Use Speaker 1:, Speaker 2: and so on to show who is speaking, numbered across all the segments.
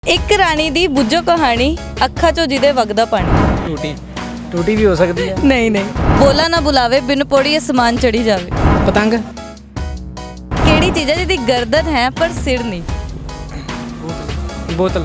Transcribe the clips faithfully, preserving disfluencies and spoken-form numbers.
Speaker 1: ਇੱਕ ਰਾਣੀ ਦੀ ਬੁੱਝੋ ਕਹਾਣੀ, ਅੱਖਾਂ ਚੋਂ ਜਿਹਦੇ ਵਗਦਾ ਪਾਣੀ।
Speaker 2: ਟੂਟੀ ਟੂਟੀ ਵੀ ਹੋ ਸਕਦੀ ਹੈ।
Speaker 1: ਨਹੀਂ ਨਹੀਂ ਬੋਲਾ ਨਾ ਬੁਲਾਵੇ, ਬਿਨ ਪੌੜੀ ਅਸਮਾਨ ਚੜੀ ਜਾਵੇ।
Speaker 2: ਪਤੰਗ।
Speaker 1: ਕਿਹੜੀ ਚੀਜ਼ ਹੈ ਜਿਹਦੀ ਗਰਦਨ ਹੈ ਪਰ ਸਿਰ ਨਹੀਂ?
Speaker 2: ਬੋਤਲ।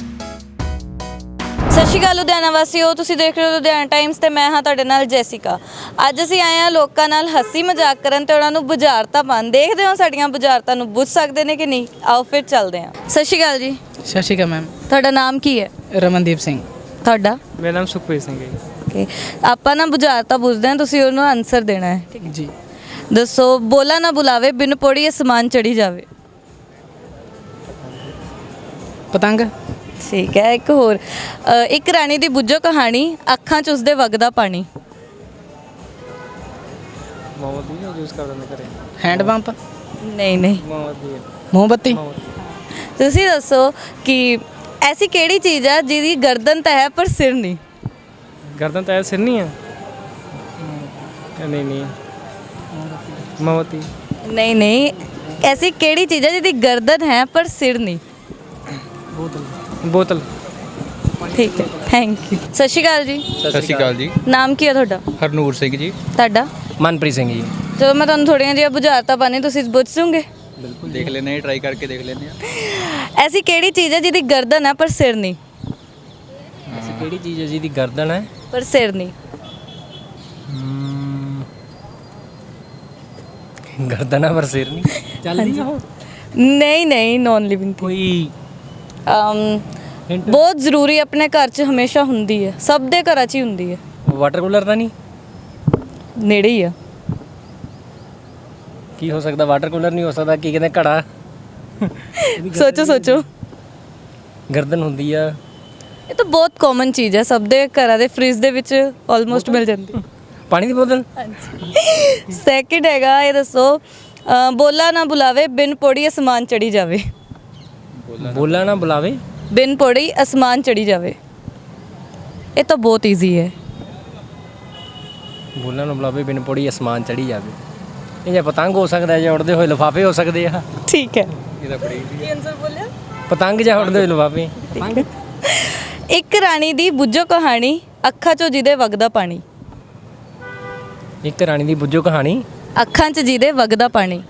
Speaker 1: ਸਤਿ ਸ਼੍ਰੀ ਅਕਾਲ ਲੁਧਿਆਣਾ ਵਾਸੀਓ, ਤੁਸੀਂ ਦੇਖ ਰਹੇ ਹੋ ਲੁਧਿਆਣਾ ਟਾਈਮਸ ਤੇ ਮੈਂ ਹਾਂ ਤੁਹਾਡੇ ਨਾਲ ਜੈਸਿਕਾ। ਅੱਜ ਅਸੀਂ ਆਏ ਹਾਂ ਲੋਕਾਂ ਨਾਲ ਹੱਸੀ ਮਜ਼ਾਕ ਕਰਨ ਤੇ ਉਹਨਾਂ ਨੂੰ ਬੁਝਾਰਤਾਂ ਪਾਉਣ। ਦੇਖਦੇ ਹਾਂ ਸਾਡੀਆਂ ਬੁਝਾਰਤਾਂ ਨੂੰ ਬੁੱਝ ਸਕਦੇ ਨੇ ਕਿ ਨਹੀਂ। ਆਓ ਫਿਰ ਚੱਲਦੇ ਹਾਂ। ਸਤਿ ਸ਼੍ਰੀ ਅਕਾਲ ਜੀ।
Speaker 2: ਸਤਿ ਸ਼੍ਰੀ ਅਕਾਲ ਮੈਮ।
Speaker 1: ਤੁਹਾਡਾ ਨਾਮ ਕੀ ਹੈ?
Speaker 2: ਰਮਨਦੀਪ ਸਿੰਘ।
Speaker 1: ਤੁਹਾਡਾ?
Speaker 2: ਮੇਰਾ ਨਾਮ ਸੁਖਪ੍ਰੀਤ ਸਿੰਘ ਹੈ।
Speaker 1: ਓਕੇ, ਆਪਾਂ ਨਾ ਬੁਝਾਰਤਾਂ ਪੁੱਛਦੇ ਹਾਂ, ਤੁਸੀਂ ਉਹਨੂੰ ਆਨਸਰ ਦੇਣਾ ਹੈ। ਠੀਕ ਹੈ
Speaker 2: ਜੀ।
Speaker 1: ਦੱਸੋ, ਬੋਲਾ ਨਾ ਬੁਲਾਵੇ, ਬਿਨ ਪੌੜੀ ਅਸਮਾਨ ਚੜੀ ਜਾਵੇ।
Speaker 2: ਪਤੰਗ।
Speaker 1: ਠੀਕ ਹੈ। ਇੱਕ ਹੋਰ, ਅ, ਇੱਕ ਰਾਣੀ ਦੀ ਬੁੱਝੋ ਕਹਾਣੀ, ਅੱਖਾਂ 'ਚ ਉਸਦੇ ਵਗਦਾ ਪਾਣੀ।
Speaker 2: ਮੋਮਬੱਤੀ ਯੂਜ਼ ਕਰਦੇ ਨੇ ਘਰੇ। Hand pump.
Speaker 1: ਨਹੀਂ ਨਹੀਂ
Speaker 2: ਮੋਮਬੱਤੀ।
Speaker 1: ਮੋਮਬੱਤੀ। ਤੁਸੀਂ ਦੱਸੋ ਕਿ ਐਸੀ ਕਿਹੜੀ ਚੀਜ਼ ਹੈ ਜਿਹਦੀ ਗਰਦਨ ਤਾਂ ਹੈ ਪਰ ਸਿਰ ਨਹੀਂ?
Speaker 2: ਗਰਦਨ ਤਾਂ ਸਿਰ ਨਹੀਂ ਹੈ। ਨਹੀਂ ਨਹੀਂ ਮੋਮਬੱਤੀ।
Speaker 1: ਨਹੀਂ ਨਹੀਂ ਐਸੀ ਕਿਹੜੀ ਚੀਜ਼ ਹੈ ਜਿਹਦੀ ਗਰਦਨ ਹੈ ਪਰ ਸਿਰ ਨਹੀਂ?
Speaker 2: ਬੋਤਲ। ਬੋਤਲ।
Speaker 1: ਠੀਕ ਹੈ, ਥੈਂਕ ਯੂ। ਸਤਿ ਸ਼੍ਰੀ ਅਕਾਲ ਜੀ।
Speaker 3: ਸਤਿ ਸ਼੍ਰੀ ਅਕਾਲ ਜੀ।
Speaker 1: ਨਾਮ ਕੀ ਹੈ ਤੁਹਾਡਾ?
Speaker 3: ਹਰਨੂਰ ਸਿੰਘ ਜੀ।
Speaker 1: ਤੁਹਾਡਾ?
Speaker 2: ਮਨਪ੍ਰੀਤ ਸਿੰਘ ਜੀ।
Speaker 1: ਚਲੋ ਮੈਂ ਤੁਹਾਨੂੰ ਥੋੜ੍ਹੀਆਂ ਜਿਹੀਆਂ ਬੁਝਾਰਤਾਂ ਪਾਣੀ, ਤੁਸੀਂ ਬੁੱਝ ਜੂਗੇ?
Speaker 3: ਬਿਲਕੁਲ ਦੇਖ ਲੈਂਦੇ ਹਾਂ, ਟਰਾਈ ਕਰਕੇ ਦੇਖ ਲੈਂਦੇ ਹਾਂ।
Speaker 1: ਐਸੀ ਕਿਹੜੀ ਚੀਜ਼ ਹੈ ਜਿਹਦੀ ਗਰਦਨ ਹੈ ਪਰ ਸਿਰ ਨਹੀਂ?
Speaker 2: ਐਸੀ ਕਿਹੜੀ ਚੀਜ਼ ਹੈ ਜਿਹਦੀ ਗਰਦਨ ਹੈ
Speaker 1: ਪਰ ਸਿਰ ਨਹੀਂ?
Speaker 2: ਗਰਦਨ ਹੈ ਪਰ ਸਿਰ ਨਹੀਂ। ਚੱਲਦੀ ਆ ਉਹ?
Speaker 1: ਨਹੀਂ ਨਹੀਂ ਨੌਨ ਲਿਵਿੰਗ
Speaker 2: ਕੋਈ
Speaker 1: ਬਹੁਤ ਜ਼ਰੂਰੀ ਆਪਣੇ ਘਰ 'ਚ ਹਮੇਸ਼ਾ ਹੁੰਦੀ ਹੈ, ਸਭ ਦੇ ਘਰਾਂ 'ਚ ਹੀ ਹੁੰਦੀ ਹੈ।
Speaker 2: ਵਾਟਰ ਕੂਲਰ ਤਾਂ ਨਹੀਂ?
Speaker 1: ਨੇੜੇ ਹੀ ਆ।
Speaker 2: ਕੀ ਹੋ ਸਕਦਾ? ਵਾਟਰ ਕੂਲਰ ਨਹੀਂ ਹੋ ਸਕਦਾ। ਕੀ ਕਹਿੰਦੇ? ਘੜਾ।
Speaker 1: ਸੋਚੋ ਸੋਚੋ।
Speaker 2: ਗਰਦਨ ਹੁੰਦੀ ਆ।
Speaker 1: ਇਹ ਤਾਂ ਬਹੁਤ ਕਾਮਨ ਚੀਜ਼ ਹੈ, ਸਭ ਦੇ ਘਰਾਂ ਦੇ ਫ੍ਰਿਜ ਦੇ ਵਿੱਚ ਆਲਮੋਸਟ ਮਿਲ ਜਾਂਦੀ ਹੈ।
Speaker 2: ਪਾਣੀ ਦੀ ਬੋਤਲ।
Speaker 1: ਹਾਂਜੀ। ਸੈਕਿੰਡ ਹੈਗਾ, ਇਹ ਦੱਸੋ, ਅ, ਬੋਲਾ ਨਾ ਬੁਲਾਵੇ, ਬਿਨ ਪੌੜੀ ਅਸਮਾਨ ਚੜੀ ਜਾਵੇ।
Speaker 2: ਬੋਲਾ ਨਾ ਬੁਲਾਵੇ,
Speaker 1: ਬਿਨ ਪੌੜੀ ਅਸਮਾਨ ਚੜੀ ਜਾਵੇ। ਇਹ ਤਾਂ ਬਹੁਤ ਈਜ਼ੀ ਹੈ।
Speaker 2: ਬੋਲਾ ਨਾ ਬੁਲਾਵੇ, ਬਿਨ ਪੌੜੀ ਅਸਮਾਨ ਚੜੀ ਜਾਵੇ। ਇਹ ਜਾਂ ਪਤੰਗ ਹੋ ਸਕਦਾ, ਜਾਂ ਉੜਦੇ ਹੋਏ ਲਿਫਾਫੇ ਹੋ ਸਕਦੇ ਆ।
Speaker 1: ਠੀਕ ਹੈ।
Speaker 3: ਇਹਦਾ ਬੜੀ
Speaker 1: ਕੀ ਆਨਸਰ ਬੋਲਿਆ?
Speaker 2: ਪਤੰਗ ਜਾਂ ਉੜਦੇ ਹੋਏ ਲਿਫਾਫੇ।
Speaker 1: ਇੱਕ ਰਾਣੀ ਦੀ ਬੁੱਝੋ ਕਹਾਣੀ, ਅੱਖਾਂ 'ਚੋਂ ਜਿਹਦੇ ਵਗਦਾ ਪਾਣੀ।
Speaker 2: ਇੱਕ ਰਾਣੀ ਦੀ ਬੁੱਝੋ ਕਹਾਣੀ,
Speaker 1: ਅੱਖਾਂ 'ਚ ਜਿਹਦੇ ਵਗਦਾ ਪਾਣੀ।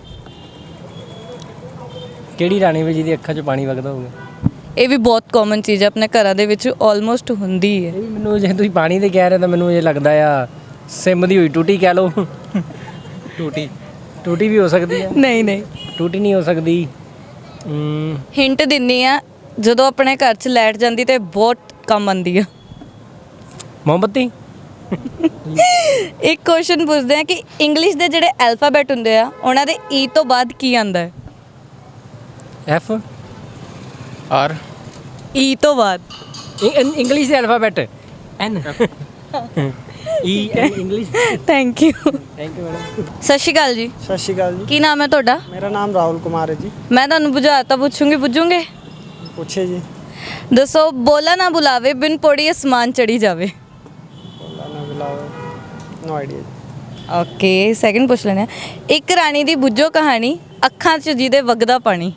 Speaker 2: ਕਿਹੜੀ ਰਾਣੀ ਵੀ ਜਿਹਦੀ ਅੱਖਾਂ 'ਚੋਂ ਪਾਣੀ ਵਗਦਾ ਹੋਵੇ?
Speaker 1: ਇਹ ਵੀ ਬਹੁਤ ਕਾਮਨ ਚੀਜ਼ ਹੈ, ਆਪਣੇ ਘਰਾਂ ਦੇ ਵਿੱਚ ਆਲਮੋਸਟ ਹੁੰਦੀ ਹੈ।
Speaker 2: ਇਹ ਵੀ ਮੈਨੂੰ, ਜੇ ਤੁਸੀਂ ਪਾਣੀ ਦੇ ਕਹਿ ਰਹੇ ਤਾਂ ਮੈਨੂੰ ਇਹ ਲੱਗਦਾ ਆ ਸਿਮ ਦੀ ਹੋਈ ਟੂਟੀ ਕਹਿ ਲਓ। ਟੂਟੀ ਟੂਟੀ ਵੀ ਹੋ ਸਕਦੀ ਹੈ।
Speaker 1: ਨਹੀਂ ਨਹੀਂ
Speaker 2: ਟੂਟੀ ਨਹੀਂ ਹੋ ਸਕਦੀ।
Speaker 1: ਹਿੰਟ ਦਿੰਨੀ ਆ, ਜਦੋਂ ਆਪਣੇ ਘਰ 'ਚ ਲਾਈਟ ਜਾਂਦੀ ਤੇ ਬਹੁਤ ਕੰਮ ਆਉਂਦੀ ਆ।
Speaker 2: ਮੋਮਬੱਤੀ।
Speaker 1: ਇੱਕ ਕੁਐਸਚਨ ਪੁੱਛਦੇ ਆ ਕਿ ਇੰਗਲਿਸ਼ ਦੇ ਜਿਹੜੇ ਐਲਫਾਬੈਟ ਹੁੰਦੇ ਆ, ਉਹਨਾਂ ਦੇ ਈ ਤੋਂ ਬਾਅਦ ਕੀ ਆਉਂਦਾ ਹੈ?
Speaker 2: ਐਫ।
Speaker 3: ਆਰ।
Speaker 1: ਈ ਤੋਂ ਬਾਅਦ
Speaker 2: ਇੰਗਲਿਸ਼ ਦੇ alphabet N. E N English.
Speaker 1: Thank you.
Speaker 2: Thank you madam.
Speaker 1: ਸਤਿ ਸ਼੍ਰੀ ਅਕਾਲ ਜੀ।
Speaker 4: ਸਤਿ ਸ਼੍ਰੀ ਅਕਾਲ ਜੀ।
Speaker 1: ਕੀ ਨਾਮ ਹੈ ਤੁਹਾਡਾ?
Speaker 4: ਮੇਰਾ ਨਾਮ ਰਾਹੁਲ ਕੁਮਾਰ ਹੈ ਜੀ।
Speaker 1: ਮੈਂ ਤੁਹਾਨੂੰ ਬੁਝਾਰਤਾਂ ਪੁੱਛੂੰਗੀ, ਬੁੱਝੂਗੇ?
Speaker 4: ਪੁੱਛੇ ਜੀ।
Speaker 1: ਦੱਸੋ, ਬੋਲਾ ਨਾ ਬੁਲਾਵੇ, ਬਿਨ ਪੌੜੀ ਅਸਮਾਨ ਚੜੀ ਜਾਵੇ।
Speaker 4: ਬੋਲਾ ਨਾ ਬੁਲਾਵੇ। No idea.
Speaker 1: ਓਕੇ, ਸੈਕਿੰਡ ਪੁੱਛ ਲੈਣਾ। ਇੱਕ ਰਾਣੀ ਦੀ ਬੁੱਝੋ ਕਹਾਣੀ, ਅੱਖਾਂ 'ਚ ਜਿਹਦੇ ਵਗਦਾ ਪਾਣੀ।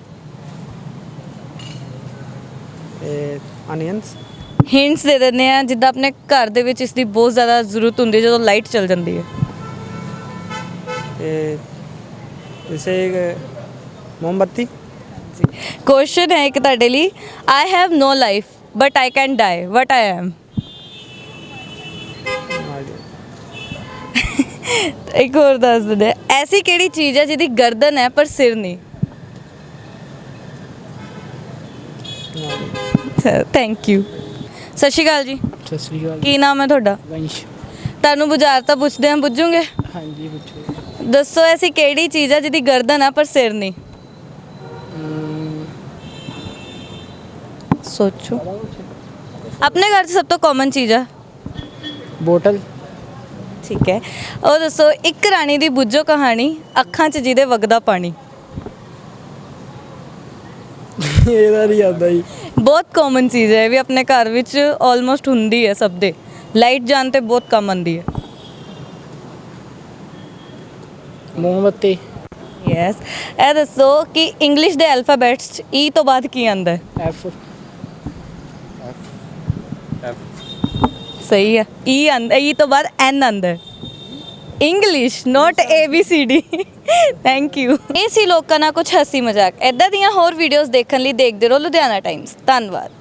Speaker 4: ਇਹ ਅਨੀਅਨਸ।
Speaker 1: ਹਿੰਟਸ ਦੇ ਦਿੰਦੇ ਆ, ਜਿੱਦਾਂ ਆਪਣੇ ਘਰ ਦੇ ਵਿੱਚ ਇਸ ਦੀ ਬਹੁਤ ਜ਼ਿਆਦਾ ਜ਼ਰੂਰਤ ਹੁੰਦੀ ਹੈ ਜਦੋਂ ਲਾਈਟ ਚਲ ਜਾਂਦੀ ਹੈ।
Speaker 4: ਇਹ ਜੈਸੇ ਮੋਮਬੱਤੀ।
Speaker 1: ਕੁਐਸਚਨ ਹੈ ਇੱਕ ਤੁਹਾਡੇ ਲਈ। I have no life but I can die, what I am?
Speaker 4: No idea.
Speaker 1: ਇੱਕ ਹੋਰ ਦੱਸ ਦਿੰਦੇ, ਐਸੀ ਕਿਹੜੀ ਚੀਜ਼ ਹੈ ਜਿਹਦੀ ਗਰਦਨ ਹੈ ਪਰ ਸਿਰ ਨਹੀਂ? Thank you. ਸਤਿ ਸ਼੍ਰੀ ਅਕਾਲ ਜੀ।
Speaker 2: ਸਤਿ ਸ਼੍ਰੀ ਅਕਾਲ।
Speaker 1: ਕੀ ਨਾਮ ਹੈ ਤੁਹਾਡਾ?
Speaker 2: ਵੰਸ਼।
Speaker 1: ਤੁਹਾਨੂੰ ਬੁਝਾਰਤਾਂ ਪੁੱਛਦੇ ਹਾਂ, ਬੁੱਝੂਗੇ?
Speaker 2: ਹਾਂਜੀ ਪੁੱਛੋ।
Speaker 1: ਦੱਸੋ, ਐਸੀ ਕਿਹੜੀ ਚੀਜ਼ ਹੈ ਜਿਹਦੀ ਗਰਦਨ ਹੈ ਪਰ ਸਿਰ ਨਹੀਂ? ਸੋਚੋ। ਆਪਣੇ ਘਰ 'ਚ ਸਭ ਤੋਂ ਕਾਮਨ ਚੀਜ਼ ਹੈ।
Speaker 4: ਬੋਟਲ।
Speaker 1: ਠੀਕ ਹੈ। ਉਹ ਦੱਸੋ, ਇੱਕ ਰਾਣੀ ਦੀ ਬੁੱਝੋ ਕਹਾਣੀ, ਅੱਖਾਂ 'ਚ ਜਿਹਦੇ ਵਗਦਾ ਪਾਣੀ।
Speaker 4: ਇਹਦਾ ਨਹੀਂ ਆਉਂਦਾ ਜੀ।
Speaker 1: ਬਹੁਤ ਕਾਮਨ ਚੀਜ਼ ਹੈ, ਇਹ ਵੀ ਆਪਣੇ ਘਰ ਵਿੱਚ ਆਲਮੋਸਟ ਹੁੰਦੀ ਹੈ ਸਭ ਦੇ। ਲਾਈਟ ਜਾਣ 'ਤੇ ਬਹੁਤ ਕੰਮ ਆਉਂਦੀ ਹੈ।
Speaker 4: ਮੋਮਬੱਤੀ।
Speaker 1: ਯੈਸ। ਇਹ ਦੱਸੋ ਕਿ ਇੰਗਲਿਸ਼ ਦੇ ਐਲਫਾਬੈਟਸ 'ਚ ਈ ਤੋਂ ਬਾਅਦ ਕੀ ਆਉਂਦਾ ਹੈ?
Speaker 4: ਐਫ।
Speaker 1: ਸਹੀ ਹੈ ਈ ਆਂਦਾ ਈ ਤੋਂ ਬਾਅਦ ਐਨ ਆਂਦਾ English note A B C D thank you ਇਹ ਸੀ ਲੋਕਾਂ ਨਾਲ ਕੁਝ ਹੱਸੀ ਮਜ਼ਾਕ ਐਦਾਂ ਦੀਆਂ ਹੋਰ ਵੀਡੀਓਜ਼ ਦੇਖਣ ਲਈ ਦੇਖਦੇ ਰਹੋ ਲੁਧਿਆਣਾ ਟਾਈਮਸ ਧੰਨਵਾਦ